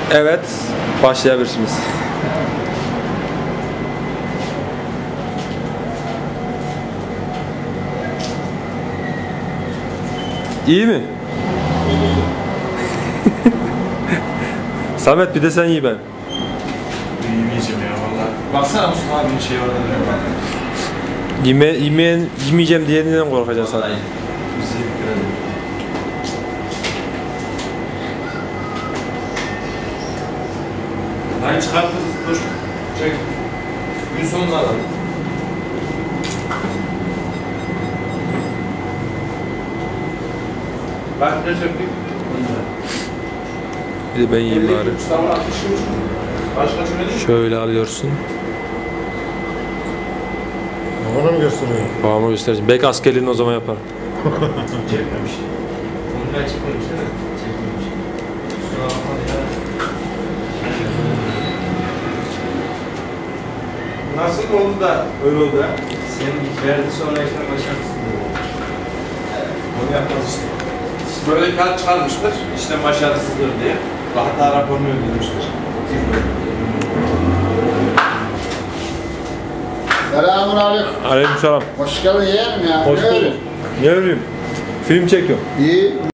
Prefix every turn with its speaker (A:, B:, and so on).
A: Evet, başlayabilirsiniz. İyi mi? Samet bir de sen iyi ben.
B: Yemeyeceğim ya valla. Baksana Mustafa abinin şeyi orada duruyor bak.
A: Yemeyeceğim diyeninden korkacaksın sana.
B: Bizi biraz. Hayır çıkartırız dur. Çek. Gün sonunda alalım. Bak ne söktük?
A: Bir de ben yiyeyim bari.
B: Mustafa 60 kuruş. Başka çöre
A: Şöyle alıyorsun.
C: Bana mı gösteriyor?
A: Babama göstereceğim. Belki askerliğini o zaman yapar.
B: çekmemiş. Bunu ben çekmemiş değil mi? Çekmemiş. Kusura bakma ya. Nasıl oldu da öyle oldu ha? Senin ilk verdi sonra işte başarısız oldu. Onu yapmaz işte. Böyle bir kağıt çıkarmıştır, işte başarısızdır diye. Hata raporunu ödemiştir.
C: Selamun aleyküm.
A: Aleykümselam.
C: Hoş geldin yeğenim ya.
A: Hoş bulduk. Ne öreyim? Film çekiyorum.
C: İyi.